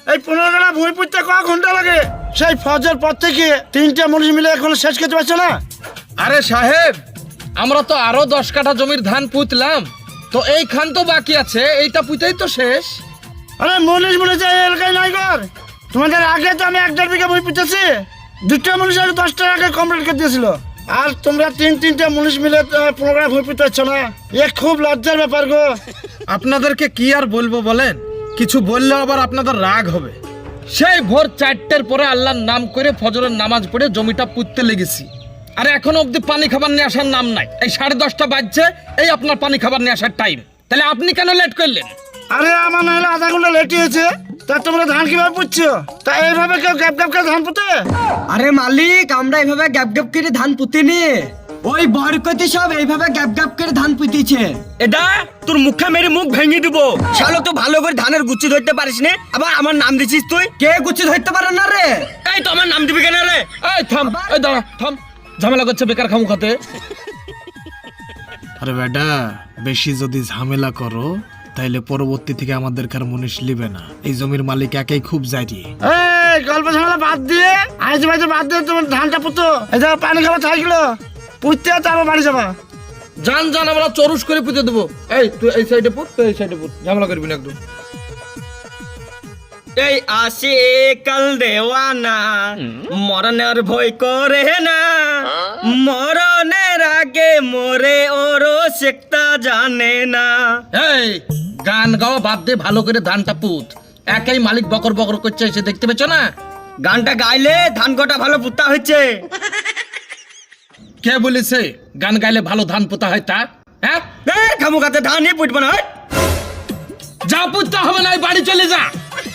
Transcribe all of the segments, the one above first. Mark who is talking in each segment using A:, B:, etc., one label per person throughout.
A: এই 15 কাঠা ভূমি পুঁততে ক ঘন্টা লাগে? সেই ফজর পর থেকে 3টে মানুষ মিলে এখনো শেষ করতে পারছে না।
B: আরে সাহেব, আমরা তো আরো 10 কাঠা জমির ধান পুঁতলাম, তো এইখান তো বাকি আছে, এইটা পুঁতেই তো শেষ।
A: আরে মনীষ মনে চাই এলাকায় নাই ঘর। তোমাদের আগে তো আমি 1.5 বিঘা ভূমি পুঁতেছি। 2টা মানুষ আগে 10 টাকা আগে কমপ্লিট করে দিয়েছিল। আর তোমরা 3-3টে মানুষ মিলে 15 কাঠা ভূমি পুঁততে পারছো না। এ খুব লজ্জার ব্যাপার গো।
B: আপনাদেরকে কি আর বলবো বলেন, কিছু বললে আবার আপনাদের রাগ হবে। সেই ভোর 4টের পরে আল্লাহর নাম করে ফজরের নামাজ পড়ে জমিটা পুঁততে লেগেছি, আর এখনো অব্দি পানি খাবার নিয়ে আসার নাম নাই। এই 10:30 বাজছে, এই আপনার পানি খাবার নিয়ে আসার টাইম। তাহলে আপনি কেন লেট করলেন?
A: আরে আমার না হলে আধা ঘন্টা লেট হয়েছে। তা তোমরা ধান কিভাবে পুঁতছো? তা এইভাবে কেউ গ্যাপ গ্যাপ করে ধান পুঁতে?
C: আরে মালিক, আমরা এইভাবে গ্যাপ গ্যাপ করে ধান পুঁতিনি। ওই বরকতি সব এইভাবে গ্যাপ গ্যাপ করে ধান পুঁতিছে।
D: এটা তোর মুখে মেরে মুখ ভেঙে দিব। শালো তো ভালো করে ধানের গুচ্ছি ধরতে পারিস না, আবার আমার নাম দিছিস তুই।
C: কে গুছি ধরতে পারে না রে?
D: এই তো আমার নাম দিবি কেন রে?
B: এই থাম, এই দাঁড়া, থাম, ঝামেলা করছে বেকার খামু খাতে।
E: আরে বেটা, বেশি যদি ঝামেলা করো তাইলে পরবর্তী থেকে আমাদের কার মনীষ লিবে না। এই জমির মালিক একাই খুব জারি।
A: এই গল্প ঝামেলা বাদ দিয়ে আইজে বাজে বাদ দিয়ে তোমার ধানটা পুঁতো। এই যে পানি খাবার থাকলো পুঁততে, তারপর বাড়ি যাবা।
B: জান জান, আমরা চরুস করে পুঁতে দেবো। এই তুই এই সাইডে পুঁত, তুই এই সাইডে পুঁত, ঝামেলা করবি না একদম।
D: এই আসে কাল দেওয়ানা, মরণের ভয় করে না, মরণের আগে মরে ওরও শেখতা জানে না।
B: এই গান গাওয়া বাদ দে, ভালো করে ধানটা পুঁত। একাই মালিক বকর বকর করছে, এসে দেখতে পেছ না?
D: গানটা গাইলে ধান কটা ভালো পুতা হচ্ছে।
B: কে বলেছে গান গাইলে ভালো ধান পোতা হয় তা? হ্যাঁ,
D: খামুখাতে ধানই পুঁতবো না।
B: যা পুঁততে হবে না, বাড়ি চলে যা।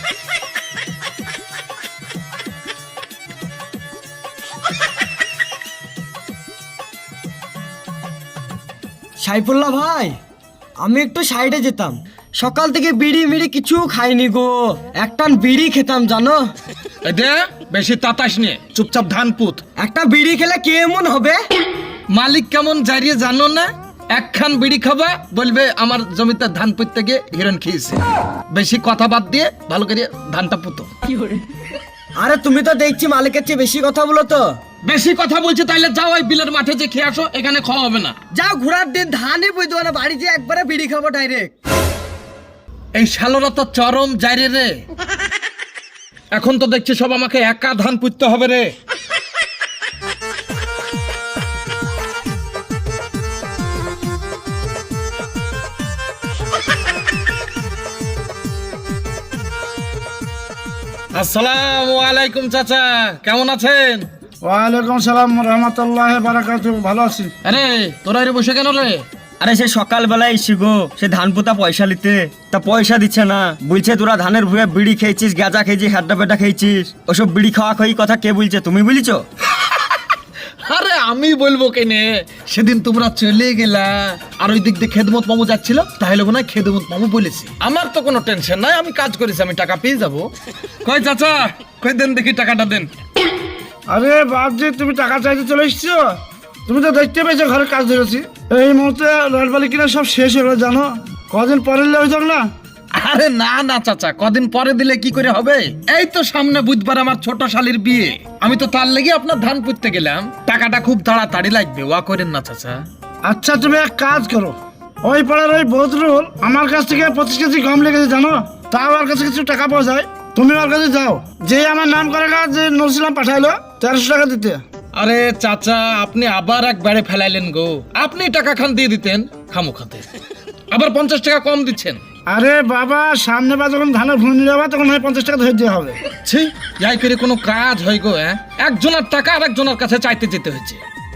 C: সাইফুল্লাহ ভাই, আমি একটু সাইডে যেতাম। সকাল থেকে বিড়ি মিড়ি কিছু খাইনি গো, একটান বিড়ি খেতাম জানো।
B: এই দে, বেশি তাতাস নিয়ে চুপচাপ ধান পুঁত।
C: একটা বিড়ি খেলে কেমন হবে?
B: মালিক কেমন জারিয়ে জানো না? একখান বিড়ি খাবা, বলবে আমার জমিতে ধান পুঁততে গিয়ে হিরণ খেয়েছে। বেশি কথা বাদ দিয়ে ভালো করে ধানটা পুঁতো।
C: আরে তুমি তো দেখছি মালিকের চেয়ে বেশি কথা বলো তো।
B: বেশি কথা বলছে তাইলে যাও ওই বিলের মাঠে যে খেয়ে আসো, এখানে খাওয়া হবে না।
C: যাও, ঘোরার দিন ধানই বুঝতে না, বাড়ি যে একবারে বিড়ি খাবো ডাইরেক্ট।
B: এই শালোরা তো চরম জারি রে। এখন তো দেখছি সব আমাকে একা ধান পুঁততে হবে রে। আসসালামু আলাইকুম চাচা, কেমন আছেন?
A: ওয়ালাইকুম সালাম রহমতুল্লাহ বারাকাতুহু। ভালো আছি।
B: আরে তোরা এর বসে কেন রে?
D: আরে সে সকালবেলায় এসি গো, সে ধান পোতা পয়সা নিতে, তা পয়সা দিচ্ছে না। বলছে তোরা ধানের ভুয়ে বিড়ি খেয়েছিস, গাঁজা খেয়েছিস, হাড্ডা পেটা খেয়েছিস। ওসব বিড়ি খাওয়া খাই কথা কে বলছে? তুমি বলিছো?
B: আরে আমি বলবো কেনে, সেদিন তোমরা চলে গেলা আর ওই দিক দিয়ে খেদমত মামু যাচ্ছিল, তাহলে মনে হয় খেদমত মামু বলেছি। আমার তো কোনো টেনশন নাই, আমি কাজ করেছি, আমি টাকা পেয়ে যাবো। কই চাচা, কই দেন দেখি টাকাটা দেন।
A: আরে বাপজি, তুমি টাকা চাইতে চলে এসছো? তুমি তো দেখতে পেয়েছো ঘরের কাজ ধরেছি। এই মুহূর্তে রডবালি কিনা সব শেষ হয়ে গেলো জানো। কদিন পরে হয়ে যাক না।
B: আরে না না চাচা, কদিন পরে দিলে কি করে হবে? এই তো সামনে বুধবার আমার ছোট শালির বিয়ে, আমি তো তার লেগে আপনার ধান পুঁততে গেলাম। টাকাটা খুব তাড়াতাড়ি লাগবে, ওয়া করেন না চাচা।
A: আচ্ছা তুমি এক কাজ করো, ওই পাড়ার ওই বদরুল আমার কাছ থেকে 25 কেজি গম লেগেছে জানো। তাও ওর কাছে কিছু টাকা পাওয়া যায়। তুমি ওর কাছে যাও, যে আমার নাম করে যে নরসিলাম পাঠাইলো 1300 টাকা দিতে।
B: আরে চাচা, আপনি আবার একবারে ফেলাইলেন গো। আপনি টাকা খান দিয়ে দিতেন খামো খাতে, আবার 50 টাকা কম দিচ্ছেন।
A: আরে বাবা, সামনে বা যখন ধানের ভুঁড়ি নিয়ে যাবা তখন হয় 50 টাকা ধরে দেওয়া হবে।
B: ছি, যাই করে কোনো কাজ হয় গো? হ্যাঁ, একজনের টাকা আর একজনের কাছে চাইতে যেতে হয়েছে।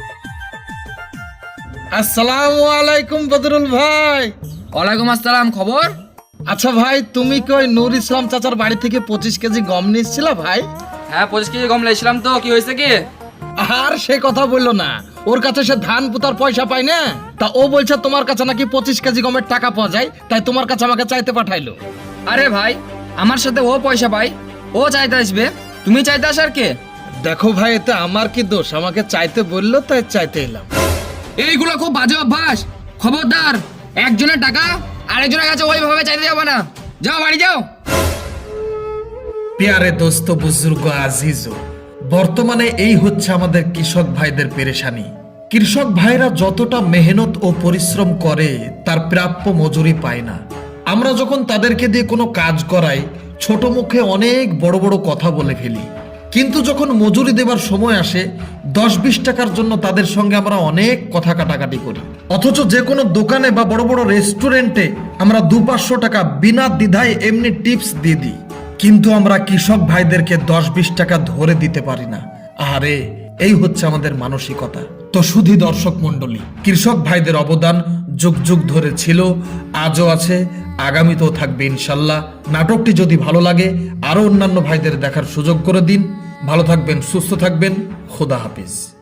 B: আসসালামু আলাইকুম বদরুল ভাই।
F: ওয়ালাইকুম আসসালাম, খবর?
B: আচ্ছা ভাই, তুমি কি ওই নূর ইসলাম চাচার বাড়ি থেকে 25 কেজি গম নিয়েছিলা ভাই?
F: হ্যাঁ, 25 কেজি গম লেছিলাম তো, কি হয়েছে কি?
B: আর সে কথা বললো না, ওর কাছে সে ধান পুতার পয়সা পায় না, তা ও বলছে তোমার কাছে নাকি 25 কেজি গমের টাকা পাওয়া যায়, তাই তোমার কাছে আমাকে চাইতে পাঠাইলো।
F: আরে ভাই, আমার সাথে ও পয়সা পায়, ও চাইতে আসবে, তুমি চাইতে আসার কে?
B: দেখো ভাই, এতে আমার কি দোষ? আমাকে চাইতে বললো তাই চাইতে এলাম।
F: এইগুলো খুব বাজে অভ্যাস, খবরদার। একজনের টাকা আরেকজনের কাছে ওইভাবে চাইতে যাবে না, যাও বাড়ি যাও।
E: প্যারে দোস্ত বুজুর্গ আজিজো, বর্তমানে এই হচ্ছে আমাদের কৃষক ভাইদের পেরেশানি। কৃষক ভাইরা যতটা মেহনত ও পরিশ্রম করে তার প্রাপ্য মজুরি পায় না। আমরা যখন তাদেরকে দিয়ে কোনো কাজ করাই, ছোট মুখে অনেক বড় বড় কথা বলে ফেলি, কিন্তু যখন মজুরি দেবার সময় আসে 10-20 টাকার জন্য তাদের সঙ্গে আমরা অনেক কথা কাটাকাটি করি। অথচ যে কোনো দোকানে বা বড় বড় রেস্টুরেন্টে আমরা 200-500 টাকা বিনা দ্বিধায় এমনি টিপস দিয়ে দিই, কিন্তু আমরা কৃষক ভাইদেরকে 10-20 টাকা ধরে দিতে পারি না। আরে এই হচ্ছে আমাদের মানসিকতা। তো শুধু দর্শক মণ্ডলী, কৃষক ভাইদের অবদান যুগ যুগ ধরে ছিল, আজও আছে, আগামীতেও থাকবে ইনশাল্লাহ। নাটকটি যদি ভালো লাগে আরো অন্যান্য ভাইদের দেখার সুযোগ করে দিন। ভালো থাকবেন, সুস্থ থাকবেন, খোদা হাফিজ।